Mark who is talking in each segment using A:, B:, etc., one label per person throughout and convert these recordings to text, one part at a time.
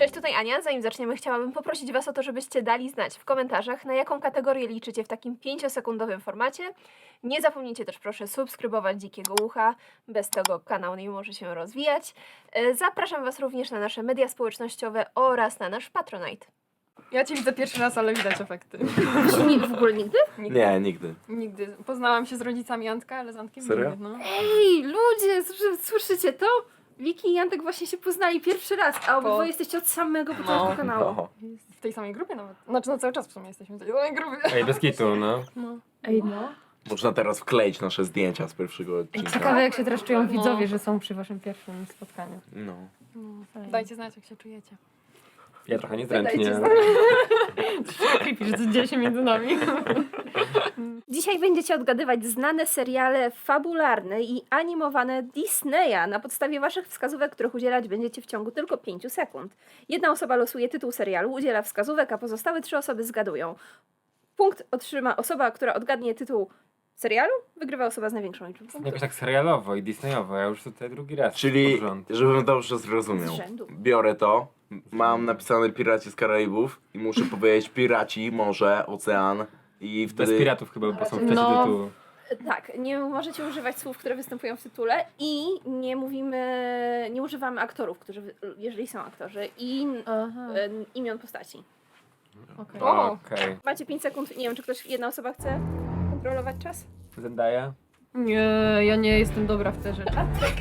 A: Cześć, tutaj Ania. Zanim zaczniemy, chciałabym poprosić Was o to, żebyście dali znać w komentarzach, na jaką kategorię liczycie w takim 5-sekundowym formacie. Nie zapomnijcie też proszę subskrybować Dzikiego Ucha, bez tego kanał nie może się rozwijać. Zapraszam Was również na nasze media społecznościowe oraz na nasz Patronite.
B: Ja cię widzę pierwszy raz, ale widać efekty.
A: W ogóle nigdy?
C: Nie, nigdy.
B: Nigdy. Poznałam się z rodzicami Antka, ale z Antkiem
C: Serio?
B: nigdy, no.
A: Ej, ludzie, słyszycie to? Wiki i Antek właśnie się poznali pierwszy raz, a obydwoje jesteście od samego początku kanału.
C: Oho.
B: W tej samej grupie nawet. Znaczy, no cały czas w sumie jesteśmy w tej samej grupie.
D: Ej, bez kitu, no.
B: No.
A: Ej, no.
C: Można teraz wkleić nasze zdjęcia z pierwszego odcinka.
E: Ciekawe jak się teraz czują
B: No.
E: widzowie, że są przy waszym pierwszym spotkaniu.
C: No.
B: Dajcie znać, jak się czujecie.
D: Ja trochę niezręcznie.
E: Creepy, że coś dzieje się między nami.
A: Dzisiaj będziecie odgadywać znane seriale fabularne i animowane Disneya na podstawie waszych wskazówek, których udzielać będziecie w ciągu tylko 5 sekund. Jedna osoba losuje tytuł serialu, udziela wskazówek, a pozostałe 3 osoby zgadują. Punkt otrzyma osoba, która odgadnie tytuł serialu, wygrywa osoba z największą liczbą punktów.
D: Jakoś tak serialowo i Disneyowo, ja już tutaj drugi raz.
C: Czyli,
D: pod rząd.
C: żebym dobrze zrozumiał,
A: Z rzędu.
C: biorę to, mam napisane Piraci z Karaibów i muszę powiedzieć Piraci, morze, ocean i
D: Bez
C: wtedy...
D: piratów chyba, bo są w czasie
E: No.
D: tytułu.
A: Tak, nie możecie używać słów, które występują w tytule i nie używamy aktorów, jeżeli są aktorzy i
E: Aha.
A: imion postaci.
E: Okay.
B: O!
D: Okej.
A: Macie 5 sekund, nie wiem, czy jedna osoba chce kontrolować czas?
D: Zendaya?
E: Nie, ja nie jestem dobra w te rzeczy.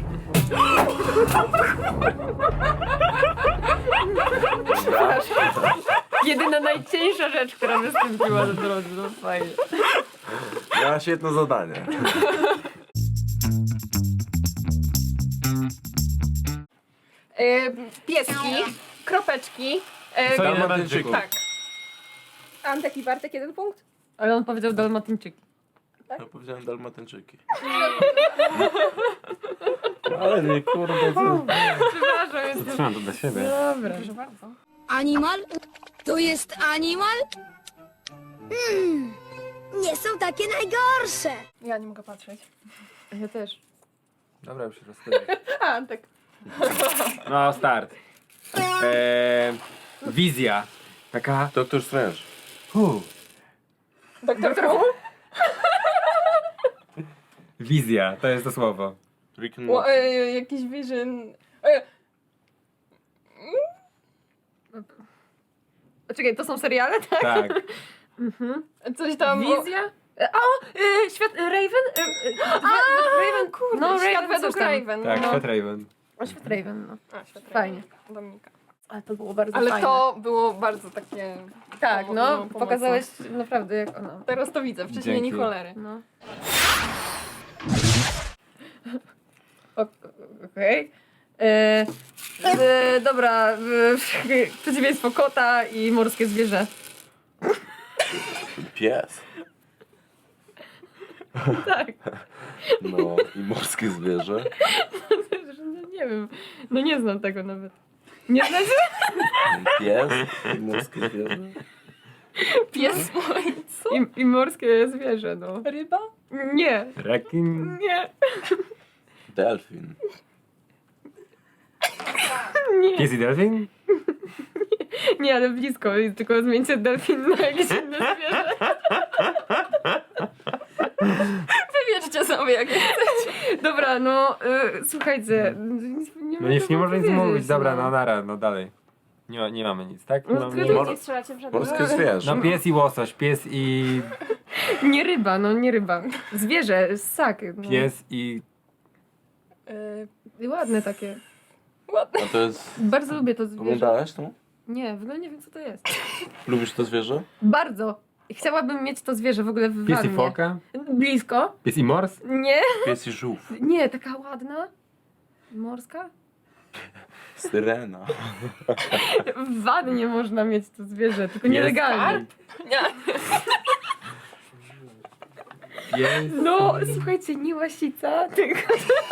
E: Jedyna najcieńsza rzecz, która wystąpiła na drodze, no fajnie.
C: Miała świetne zadanie.
B: Pieski, kropeczki.
D: Co
C: Dalmatyńczyków.
B: Tak.
A: Antek i Bartek 1 punkt?
E: Ale on powiedział dalmatyńczyki.
C: Ja powiedziałem Dalmatyńczyki. Ale nie, kurde, co?
E: Przepraszam, jestem...
D: Trzymam to dla siebie.
E: Dobra.
B: Proszę bardzo.
F: Animal? To jest animal? Nie są takie najgorsze.
B: Ja nie mogę patrzeć.
E: Ja też.
D: Dobra, już się rozstawię.
B: A, Antek.
D: No, start. Wizja. Taka...
C: Doktor Strange.
B: Doktor Who?
D: Wizja, to jest to słowo.
C: Rick and Morty.
B: Jakiś vision.
E: Czekaj, to są seriale, tak?
D: Tak.
B: Coś tam.
E: Wizja? Świat... Raven?
B: Raven, kurde.
E: No,
B: Świat
E: Raven
B: według
E: coś tam.
B: Raven.
D: Tak,
B: no.
D: Świat Raven.
E: O, Świat Raven, no.
B: A, świat Raven.
E: Fajnie.
B: Dominika.
E: Ale to było bardzo
B: Ale
E: fajne.
B: to było bardzo takie.
E: Tak, no,
B: pomocne.
E: pokazałeś naprawdę jak ona.
B: Teraz to widzę, wcześniej nie
D: Dzięki.
B: cholery.
E: No. Okej. Dobra, przeciwieństwo kota i morskie zwierzę.
C: Pies.
E: Tak.
C: No i morskie zwierzę.
E: No, nie wiem, no nie znam tego nawet. Nie znasz?
C: Pies i morskie zwierzę.
B: Pies mój, co?
E: I morskie zwierzę, no.
B: Ryba?
E: Nie,
D: Rekin.
E: nie,
C: Delfin.
E: nie,
D: Pies i delfin?
E: nie, ale blisko, tylko zmieńcie delfin na jakieś inne zwierzę.
B: Wybierzcie sobie jak chcecie.
E: Dobra, no, słuchajcie.
D: No nic nie może nic
E: powiedzieć,
D: mówić. Dobra, no nara, no dalej. Nie mamy nic, tak? Nie
E: No,
D: mamy
E: tylko
D: nic.
C: Mor-
A: Nie strzelacie w żadnym.
C: Morskie zwierzę.
D: No pies i łosoś, pies i...
E: Nie ryba, no nie ryba. Zwierzę, ssak. No.
D: Pies i...
E: Ładne takie.
B: Ładne.
C: A to jest...
E: Bardzo lubię to zwierzę.
C: Oglądałeś to?
E: Nie, w ogóle nie wiem co to jest.
C: Lubisz to zwierzę?
E: Bardzo. Chciałabym mieć to zwierzę w ogóle w
D: Pies i
E: wannie.
D: foka?
E: Blisko.
D: Pies i mors?
E: Nie,
C: Pies i żółw.
E: nie, taka ładna. Morska?
C: Syrena.
E: W wannie można mieć to zwierzę, tylko
D: Jest
E: nielegalnie.
B: Nie.
D: Pies...
E: No, słuchajcie, nie łasica, tylko...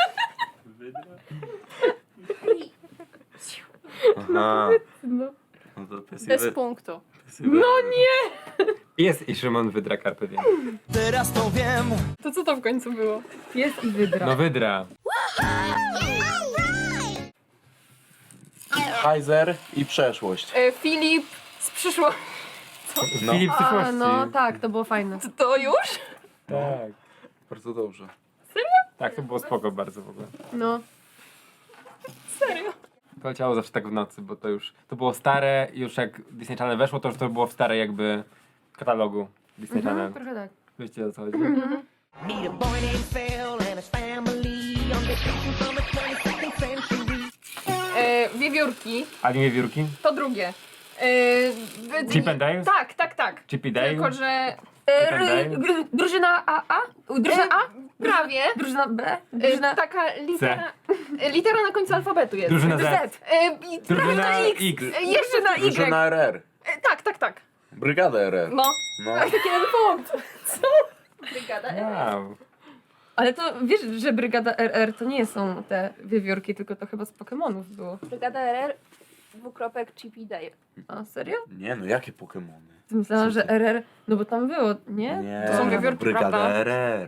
C: Aha.
E: No.
C: No to pies i
B: Bez punktu.
C: pies i
E: No nie!
D: Pies i Szymon Wydra Carpe Diem.
B: To co to w końcu było?
E: Pies i wydra.
D: No Wydra.
C: Heiser i przeszłość.
B: Filip z przyszłości.
C: No.
D: Filip z przyszłości.
E: no tak, to było fajne.
B: To już?
D: Tak.
C: Bardzo dobrze.
D: Tak, to było spoko bardzo w ogóle.
E: No.
B: Serio?
D: To leciało zawsze tak w nocy, bo to już, to było stare, już jak Disney Channel weszło, to już to było w starej jakby katalogu Disney Channel.
E: Trochę tak.
D: Wiecie o co chodzi?
G: Meet a boy named Phil and his family on vacation from the 22nd century.
B: Wiewiórki,
D: A nie wiewiórki?
B: to drugie.
D: Chip and Dale?
B: Tak.
D: Chippy Dale?
B: Tylko, że
E: Drużyna A? Drużyna A?
B: prawie
E: Drużyna B? Drużyna...
B: taka litera na końcu alfabetu jest.
D: Drużyna Z.
B: I
D: Drużyna
B: prawie na
D: X.
B: Jeszcze na Y.
C: Drużyna RR.
B: Tak.
C: Brygada RR.
B: No.
C: No.
B: Taki jeden punkt. Co? Brygada.
D: Wow.
E: Ale to wiesz, że Brygada RR to nie są te wiewiórki, tylko to chyba z Pokemonów było.
A: Brygada RR, Chippy Dale.
E: A serio?
C: Nie no, jakie Pokemony?
E: Myślałam, że RR, no bo tam było, nie?
C: Nie,
B: To są wiewiórki,
C: Brygada
B: prawda?
C: RR.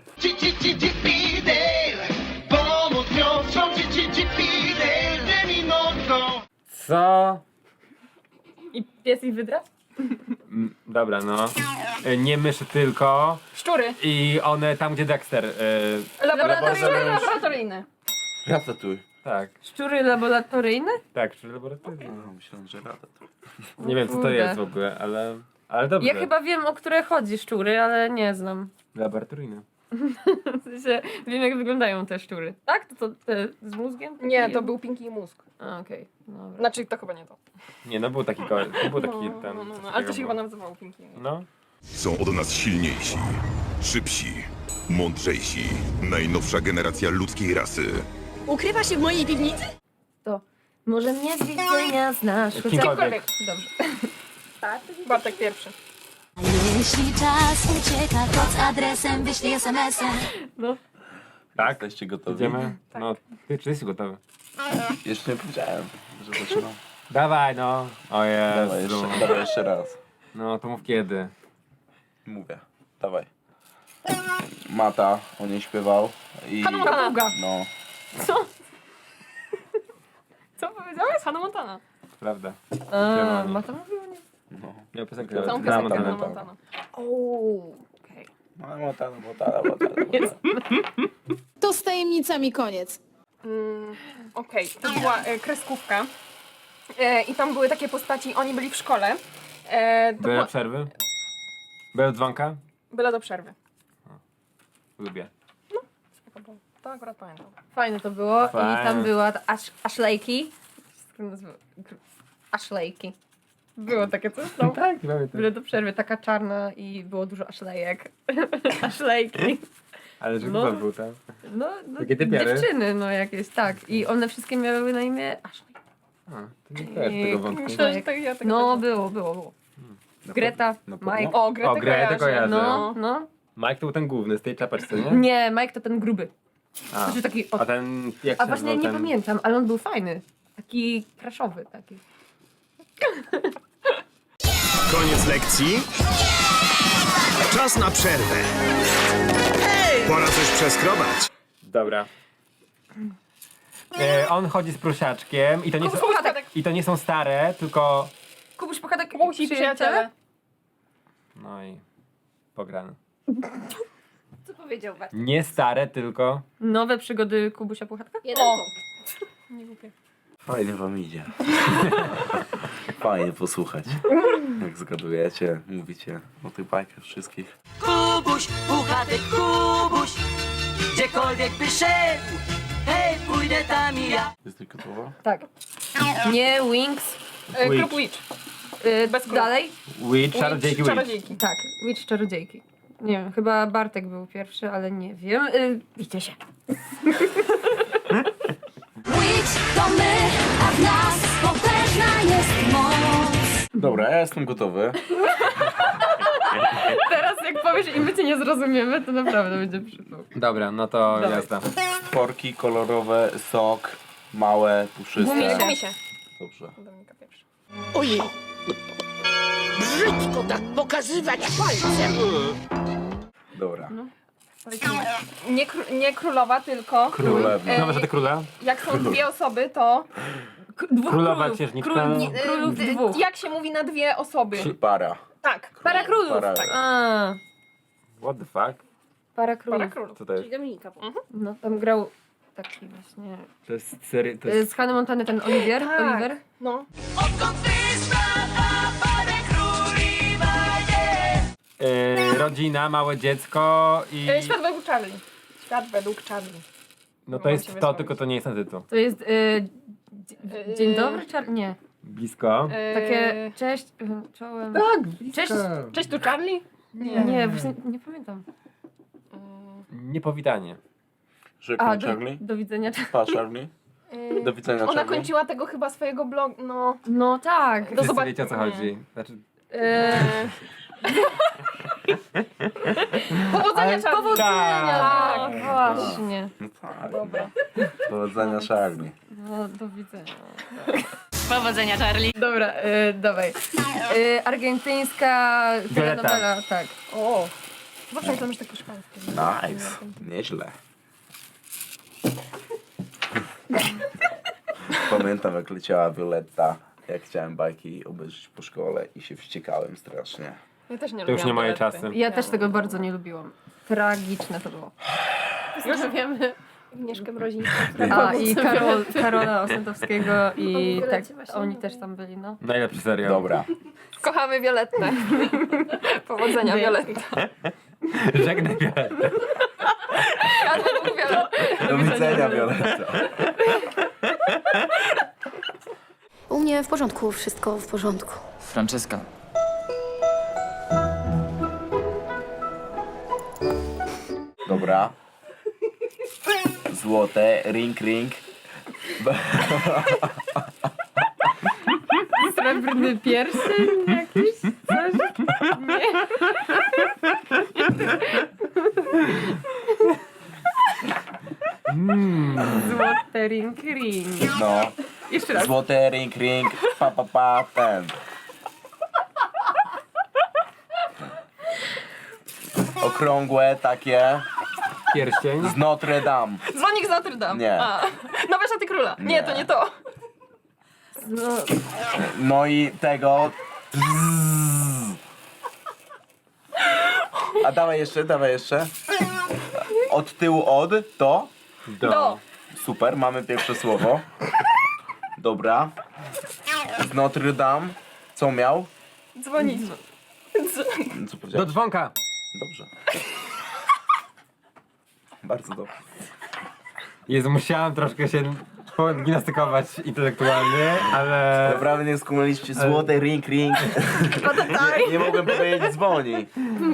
D: Co?
E: I pies i wydra?
D: Dobra, no. Nie myszy tylko.
B: Szczury.
D: I one tam, gdzie Dexter.
B: Laboratoryjne.
C: Ratatuj.
D: Tak,
E: Szczury laboratoryjne?
D: tak, czyli laboratoryjne.
C: No, myślałem, że Ratatuj.
D: Nie wiem, co to
E: Kurde.
D: jest w ogóle, ale dobrze.
E: Ja chyba wiem, o które chodzi szczury, ale nie znam.
D: Laboratoryjne.
E: W sensie, wiem jak wyglądają te szczury. Tak? To te z mózgiem?
B: Nie, to był Pinky i Mózg.
E: A, okej. Dobra.
B: Znaczy, to chyba nie to.
D: Nie, no był taki koleś, był taki tam.
B: Ale to się chyba nazywało Pinky i Mózg.
D: No.
H: Są od nas silniejsi, szybsi, mądrzejsi. Najnowsza generacja ludzkiej rasy.
F: Ukrywa się w mojej piwnicy?
E: To może mnie z widzenia znasz.
D: Kimkolwiek.
E: Dobrze.
B: Bartek pierwszy.
F: Jeśli czas ucieka, to z adresem wyślij SMS-em.
D: Tak?
C: Jesteście gotowi?
D: Idziemy? No, ty, czy jesteś gotowy?
C: Jeszcze nie powiedziałem, że zaczynam.
D: Dawaj, no. O
C: Dawaj
D: Jezu.
C: jeszcze raz.
D: No, to mów kiedy.
C: Mówię. Dawaj. Mata o niej śpiewał. I...
B: Hannah Montana.
C: No.
B: Co powiedziałeś? Hannah Montana.
D: Prawda.
E: A, ma to mówiło nie?
C: No.
D: Miał piosenkę.
B: Całą
D: Hannah
B: piosenkę
D: Montana.
B: Hannah Montana.
E: Okej.
C: No, Montana.
I: To z tajemnicami koniec.
B: Okej, to była kreskówka. I tam były takie postaci, oni byli w szkole. To
D: Były
B: była...
D: przerwy? Były dzwonka?
B: Byle do przerwy.
D: Lubię.
B: To akurat pamiętam.
E: Fajne to było.
D: Fajne.
E: I tam była ta Ashleyki. Ashleyki. Było takie coś tam.
D: Tak, pamiętam.
E: Byle do przerwy, taka czarna i było dużo Ashleyek. Ashleyki.
D: Ale że
E: No.
D: kto był tam?
E: No,
D: Takie typiary?
E: dziewczyny, no jakieś, tak. I one wszystkie miały na imię Ashley.
D: A, to nie też tego wątku.
B: Myślę, że tak ja tego
E: No,
B: też-
E: było. Greta,
C: Na pewno?
E: Mike.
B: O, Gretę
D: O, Gretę kojarzę.
E: No.
D: Mike to był ten główny z tej czapeczce, nie?
E: Nie, Mike to ten gruby.
D: A,
E: Znaczy taki
D: a ten, jak
E: A
D: się
E: właśnie
D: nazywał
E: nie
D: ten...
E: pamiętam, ale on był fajny. Taki crashowy taki.
J: Koniec lekcji? Czas na przerwę. Pora coś przeskrobać.
D: Dobra. On chodzi z prusiaczkiem i to nie są, i to nie są stare, tylko...
E: Kubuś Puchatek
B: Musi przyjaciele.
D: No i pograne.
A: Co powiedział Bartek?
D: Nie stare, tylko...
E: Nowe przygody Kubusia Puchatka?
A: Jeden
B: O.
A: punkt.
C: Fajnie wam idzie. Fajnie posłuchać. Jak zgadujecie, mówicie o tych bajkach wszystkich.
G: Kubuś, puchatek Kubuś, gdziekolwiek by szedł, hej, pójdę tam i ja.
C: Jesteś gotowa?
E: Tak. Nie, Wings.
B: Klub Witch. Bez króla.
E: Dalej?
D: Witch, czarodziejki, Witch.
B: Czarodziejki.
E: Tak, Witch Czarodziejki. Nie wiem, chyba Bartek był pierwszy, ale nie wiem. Widzicie się.
F: Witch to my, a w nas potężna jest moc.
C: Dobra, ja jestem gotowy.
E: Teraz jak powiesz i my cię nie zrozumiemy, to naprawdę będzie przypał.
D: Dobra, no to
E: Dawaj.
D: jazda.
C: Porki kolorowe, sok, małe, puszyste.
B: Gumisie.
C: Dobrze.
B: Dominika pierwsza.
G: Ojej, brzydko tak pokazywać palcem.
C: Dobra.
B: Nie królowa, tylko
C: Królewna.
D: No, że te króle?
B: jak są dwie osoby, to
E: Dwóch
D: Królowa
E: królów.
D: księżniczka.
E: Królów dwóch.
B: Jak się mówi na dwie osoby?
C: Para.
B: Tak.
E: Para królów.
C: Para.
E: A,
D: What the fuck?
E: para królów.
B: Para królów.
D: Co to jest?
A: Czyli Dominika.
E: No tam grał taki właśnie...
D: To jest serio, to jest...
E: Z Hannah Montany ten Oliver.
B: Tak.
E: Oliver.
B: No.
D: Rodzina, małe dziecko i...
B: Świat według Charlie. Świat według Charlie.
D: No to
B: Mam
D: jest
B: się
D: to,
B: wysłać.
D: tylko to nie jest ten tytuł.
E: To jest... Dzień dobry, Nie.
D: Blisko.
E: Takie cześć, czołem. Cześć.
B: Cześć tu Charlie?
E: Nie, właśnie nie pamiętam.
D: Niepowitanie.
C: Żegnaj Charlie.
E: Do widzenia.
C: Pa Charlie. Do widzenia
B: Ona
C: Charlie.
B: kończyła tego chyba swojego blogu, no.
E: No tak.
D: Wszyscy
B: zobac-
D: wiecie o co chodzi. Znaczy,
B: Powodzenia Charlie!
E: Powodzenia!
D: Tak.
E: Tak, właśnie.
C: No tak.
B: Dobra.
C: Powodzenia Charlie.
E: No, do widzenia.
F: Powodzenia, Charlie.
E: Dobra, dawaj. Argentyńska
D: Violeta.
E: telenowela, tak.
B: O! Zawsze tam już takie szpańskie.
C: Nice. Nieźle. Pamiętam jak leciała Violetta, jak chciałem bajki obejrzeć po szkole i się wściekałem strasznie.
B: Ja też nie
D: to już nie
B: lubiłam
D: moje
B: Violetty.
D: czasy.
E: Ja też tego bardzo nie lubiłam. Tragiczne to było.
B: Już wiemy.
A: Agnieszkę Mrozińską.
E: A i Karola Osentowskiego i tak,
A: Violecie właśnie
E: oni
A: mówię.
E: też tam byli, no.
D: Najlepszy serial.
C: Dobra.
B: Kochamy Violettę. Powodzenia Violetta.
D: Żegnaj Violetę.
B: Ja to mówię,
C: Do widzenia Violetta.
F: U mnie w porządku, wszystko w porządku.
G: Franceska.
C: Dobra. Złote, ring, ring.
E: Srebrny pierścień jakiś? Coś? Złote ring ring.
C: No.
E: Jeszcze raz.
C: Złote, ring, ring. Pa, ten. Okrągłe takie
D: Pierścień.
C: z Notre Dame.
B: dzwonik z Notre Dame.
C: Nie.
B: A. Nowe szaty króla. Nie, to nie to.
E: No,
C: No i tego. A dawaj jeszcze. Od tyłu od to.
B: Do.
C: Super, mamy pierwsze słowo. Dobra. Z Notre Dame. Co miał?
B: Dzwonik.
C: Co
D: Do
C: powiedziałeś?
D: dzwonka.
C: Dobrze. Bardzo dobrze.
D: Jezu, musiałem troszkę się gimnastykować intelektualnie, ale...
C: Naprawdę nie skumaliście złote ring. Nie mogłem powiedzieć dzwoni.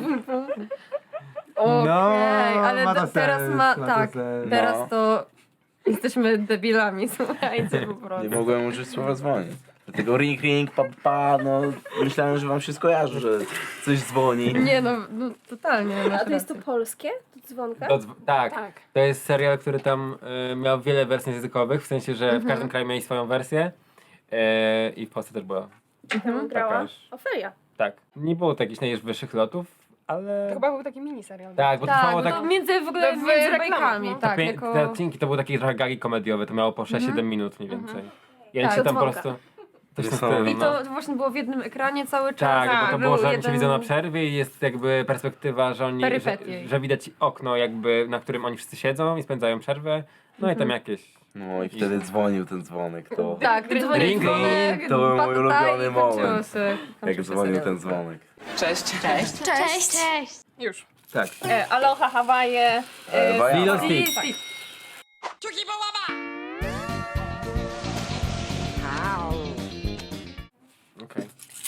E: okej, ale
D: ma to
E: teraz
D: sens,
E: ma,
D: ma to
E: tak,
D: sens.
E: teraz
C: No.
E: to jesteśmy debilami, słuchajcie po prostu.
C: Nie mogłem użyć słowa dzwoni. Dlatego ring, pa, no myślałem, że wam się skojarzy, że coś dzwoni.
E: Nie no, totalnie.
A: A to jest to polskie? To dzwonka?
D: Tak.
B: Tak.
D: To jest serial, który tam miał wiele wersji językowych, w sensie, że w każdym kraju mieli swoją wersję i w Polsce też była.
A: Grała
D: Takaż.
A: Ofelia.
D: Tak. Nie było to jakichś najwyższych lotów, ale...
B: To chyba był taki miniserial.
D: Tak, bo
E: Tak,
D: trwało
E: bo
D: tak...
E: to między w ogóle
B: w
E: między
B: reklamach,
E: bajkami,
B: no.
E: tak,
D: Te
E: jako...
D: odcinki to były takie trochę gagi komediowe, to miało po 6-7 minut mniej więcej. I oni
E: Tak,
D: się tam po
A: dzwonka.
D: prostu... Coś w tym
C: Niesamowite.
D: stylu,
E: I
D: no.
E: to właśnie było w jednym ekranie cały czas.
D: Tak, bo to
E: był
D: było, że oni się
E: jeden-
D: widzą na przerwie i jest jakby perspektywa, że oni,
E: Perypetie.
D: że widać okno jakby, na którym oni wszyscy siedzą i spędzają przerwę. No i tam jakieś...
C: No i wtedy dzwonił ten dzwonek, to
E: Tak, dzwonek,
D: Ring,
E: dzwonek,
C: To był mój
E: pakutaj
C: ulubiony
E: i kończyło
C: moment.
E: się- kończył
C: jak
E: się
C: dzwonił
E: serial.
C: ten dzwonek.
G: Cześć.
F: Cześć.
B: Już.
D: Tak.
B: Aloha, Hawaje.
D: Lilo
E: Steve,
D: Stitch.
E: Steve.
D: Okej.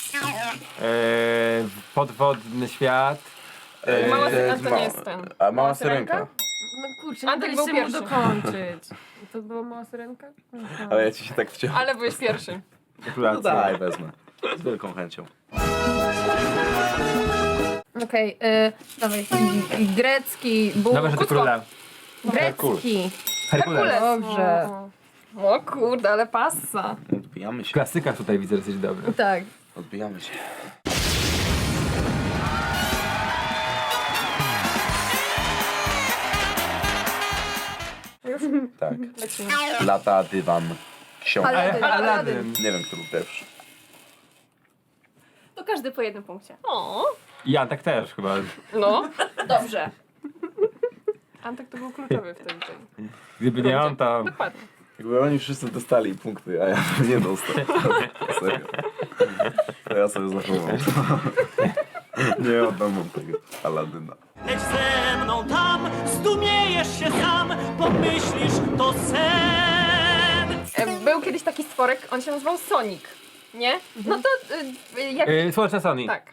D: Podwodny świat.
B: Mała
C: to
B: syrenka to
C: ma-
B: nie jest ten.
C: A mała
B: Mała
C: syrenka.
B: syrenka?
E: No kurczę, nie
B: Antek
E: daliście
B: był
E: mu
B: pierwszy.
E: dokończyć. To była mała syrenka? Aha.
C: Ale ja ci się tak wciąłem.
B: Ale byłeś pierwszy.
C: No
D: Gratulacje.
C: daj, wezmę. Z wielką chęcią.
E: Okej, dawaj. Grecki,
D: Nowe rzeczy króla.
E: Grecki.
D: Herkules.
E: Dobrze.
B: O kurde, ale passa.
C: Odbijamy
D: W
C: się.
D: klasykach tutaj widzę, że jesteś dobry.
E: Tak.
C: Odbijamy się. Tak. Lata dywan książek.
D: Aladdin.
C: Nie wiem, który pierwszy.
A: To każdy po jednym punkcie.
B: O,
D: I Antek też chyba.
B: no.
A: Dobrze.
B: Antek to był kluczowy w tym.
D: Gdyby nie on, to...
B: Dokładnie.
C: Jakby oni wszyscy dostali punkty, a ja nie dostałem. Serio. To ja sobie zachowam. Nie oddam wam tego Aladyna.
G: Leć ze mną tam, zdumiejesz się sam, pomyślisz, to sen.
B: Był kiedyś taki stworek, on się nazywał Sonic, nie? No to jak...
D: Słoneczna Sony.
B: Tak.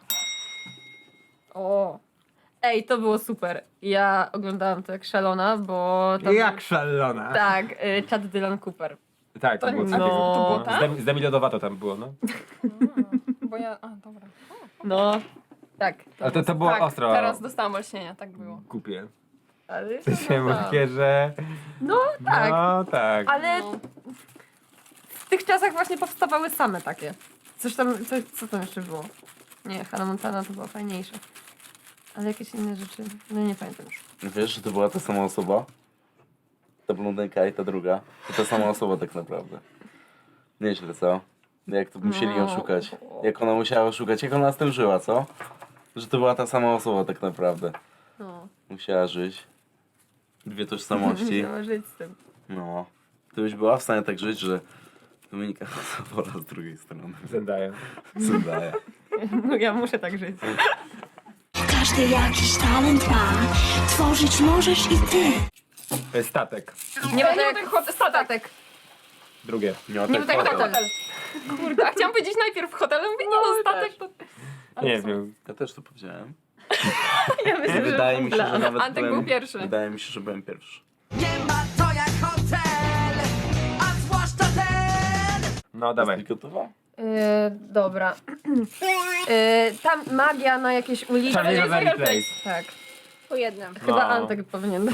E: O. Ej, to było super. Ja oglądałam to jak szalona, bo tam...
D: Jak szalona.
E: Tak, Chad Dylan Cooper.
D: Tak, to było
B: To-
D: coś
E: no.
D: takiego.
B: to było tak?
D: Z Demi Lovato tam było, no.
B: Bo ja... A, dobra.
E: No, tak.
D: Ale to było
B: Tak,
D: ostro.
B: teraz dostałam olśnienia, tak było.
D: Głupie.
E: Ale,
D: To się
E: no,
D: takie, że...
E: no tak,
D: No tak.
E: ale w tych czasach właśnie powstawały same takie. Co tam jeszcze było? Nie, Hannah Montana to była fajniejsza. Ale jakieś inne rzeczy, no nie pamiętam już.
C: Wiesz, że to była ta sama osoba? Ta blondynka i ta druga. To ta sama osoba tak naprawdę. Nieźle, co? Jak to musieli ją szukać. Jak ona musiała szukać. Jak ona z tym żyła, co? Że to była ta sama osoba tak naprawdę.
E: No,
C: Musiała żyć. Dwie tożsamości.
E: musiała żyć z tym.
C: No. Ty byś była w stanie tak żyć, że Dominika Sobola z drugiej strony.
D: Zendaya.
C: Zendaya.
E: No, ja muszę tak żyć.
F: Każdy jakiś talent ma, tworzyć możesz i ty.
D: Statek.
E: Nie ma
B: Nie
E: tak
B: tak statek.
D: Drugie.
C: Nie ma
E: Nie ma tak
C: hotel.
E: hotel.
B: Kurde, a chciałam powiedzieć najpierw hotel, ale mówię, nie no, statek to...
D: Nie wiem.
C: Ja też to powiedziałem.
E: Ja myślę,
C: Wydaje mi się, że nawet
B: Antek był pierwszy.
C: Wydaje mi się, że byłem pierwszy.
G: Nie ma to jak hotel, a zwłaszcza ten.
D: No dawaj.
C: Jesteś gotowa?
E: Dobra. Tam magia na jakieś ulicy.
D: Charlie Rosemary Place.
E: Tak.
A: Po jednym.
E: Chyba
D: No.
E: Antek powinien.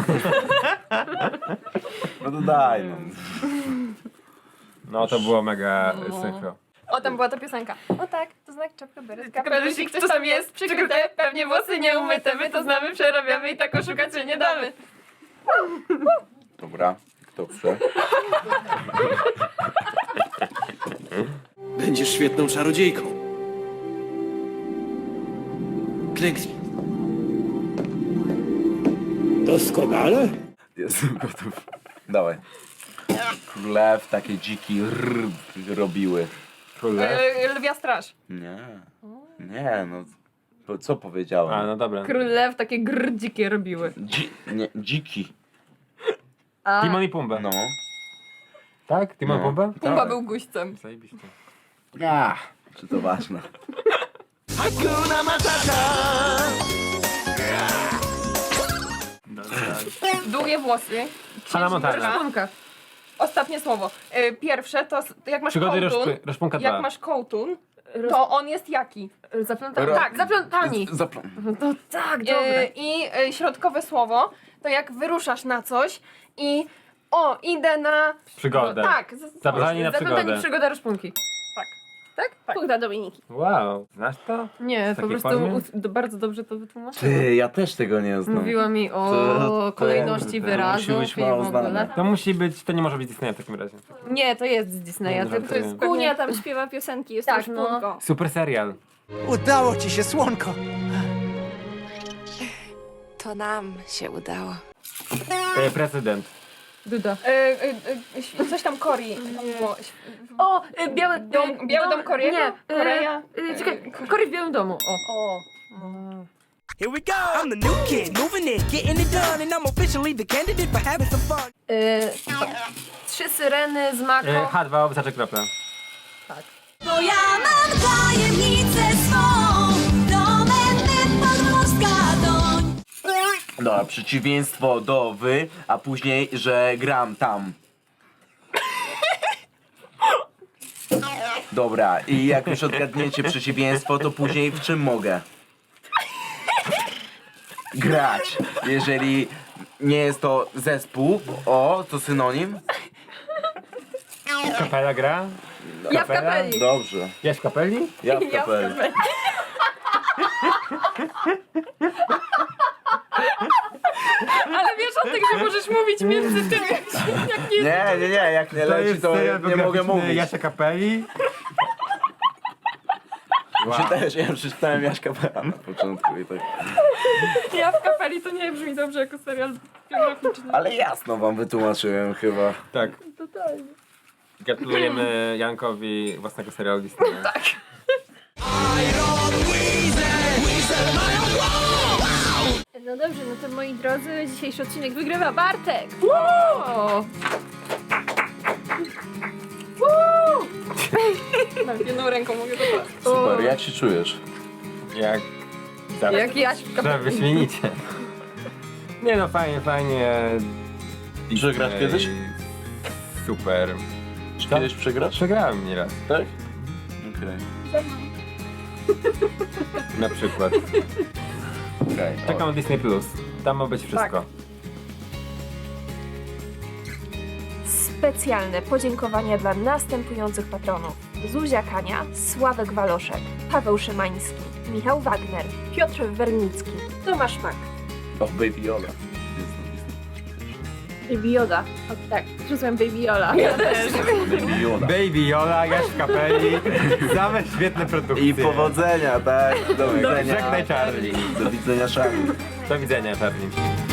C: No to daj, no.
D: No to było mega synchro.
B: O, tam była ta piosenka. O tak, to znak czapka beretka. Kralusik, ktoś tam jest, przykryte, pewnie włosy nieumyte, my to znamy, przerabiamy i tak oszukać się nie damy.
C: Dobra, kto chce?
J: Będziesz świetną czarodziejką. Klęknij. Doskonale?
C: Jestem gotów. Dawaj. Królew takie dziki robiły.
D: Królew.
B: Lwia straż.
C: Nie. Nie, no. Co powiedziałem?
D: A, no dobra.
E: Król Lew takie dzikie robiły.
C: Nie, dziki.
E: A,
D: Timon i Pumba.
C: No.
D: Tak? Timon
C: No.
D: Pumba?
B: Pumba
C: Tak.
B: był guźcem.
D: Zajebiście.
C: Czy to ważne?
G: Hakuna Matata.
B: Długie włosy.
D: Hannah Montana.
E: szponka.
B: Ostatnie słowo. Pierwsze to jak masz
D: Przygody
B: kołtun,
D: Roszpunka 2.
B: jak masz kołtun, to on jest jaki?
E: Zaplątani. Tak, zaplątani. To tak, dobre.
B: Środkowe słowo to jak wyruszasz na coś i idę na...
D: Przygodę.
B: Tak.
D: Zabranie na
E: Zaplątani
D: przygodę.
E: przygoda Roszpunki.
B: Tak?
A: Punkt dla Dominiki.
D: Wow. Znasz to?
E: Nie,
D: W
E: po
D: takiej
E: prostu
D: formie?
E: bardzo dobrze to wytłumaczyła.
C: Ty, ja też tego nie znam.
E: Mówiła mi o
C: To-
E: kolejności
C: to
E: wyrazów
C: musi być
E: i
C: mało
E: w ogóle.
C: znane.
D: To musi być, to nie może być Disneya w takim razie.
E: Nie, to jest z Disneya,
D: Nie,
E: tylko to jest
D: żartuję.
A: Kunia tam śpiewa piosenki, jest
E: Tak,
A: też
E: no.
A: punko.
D: Super serial.
G: Udało ci się, słonko.
F: To nam się udało.
D: Prezydent.
E: Duda.
B: Coś tam Korii. Było.
E: O, biały
B: Biały dom Korego?
E: Nie,
B: Korea?
E: czekaj, Kory w Białym Domu. O.
G: Here we go. I'm the new kid, moving in, getting it done, and I'm officially the candidate for having some fun.
E: 3 syreny z Mako.
D: H2 obsacze kropla.
F: Bo ja mam tajemnicę swą, domenny podmorska doń.
C: Dobra, przeciwieństwo do wy, a później, że gram tam. Dobra, i jak już odgadniecie przeciwieństwo, to później w czym mogę? Grać. Jeżeli nie jest to zespół, to synonim?
D: Kapela gra?
E: Ja w kapeli.
C: Dobrze.
D: Ja w kapeli?
C: Ja w kapeli.
B: Ale wiesz o tym, że możesz mówić mówić między tym, jak nie...
C: Nie, jak nie
D: To
C: leci,
D: jest
C: to
D: serial
C: nie mogę
D: biograficzny
C: mówić.
D: Jasia Kapeli.
C: Ja przeczytałem Jaśka Pera na początku i tak.
B: Ja w kapeli to nie brzmi dobrze jako serial biograficzny.
C: Ale jasno wam wytłumaczyłem chyba.
D: Tak. Totalnie. Gratulujemy Jankowi własnego serialu Disneya. Tak.
A: No dobrze, no to moi drodzy, dzisiejszy odcinek wygrywa Bartek!
B: Nawet jedną ręką mogę to
C: Super, jak się czujesz?
D: Jak zawsze.
E: Jak Jaś w
D: Że wyśmienicie. Nie no, fajnie.
C: Przegrasz
D: Disney.
C: kiedyś?
D: Super.
C: Czy kiedyś przegrasz?
D: Przegrałem nieraz.
C: Tak? Okej.
D: Na przykład.
C: Okej.
D: Czekam na Disney Plus. Tam ma być wszystko.
A: Specjalne podziękowania dla następujących patronów. Zuzia Kania, Sławek Waloszek, Paweł Szymański, Michał Wagner, Piotr Wernicki, Tomasz Mak.
C: O, Baby Yoda.
A: Baby Yoda. O, tak, rzucłem Baby Yoda. Ja też.
C: Baby Yoda.
D: Baby Jola, Jaś Kapeli. Same świetne produkcje.
C: I powodzenia, tak? Do widzenia.
D: Żegnaj Charlie.
C: Do widzenia, Charlie.
D: Do widzenia Charlie.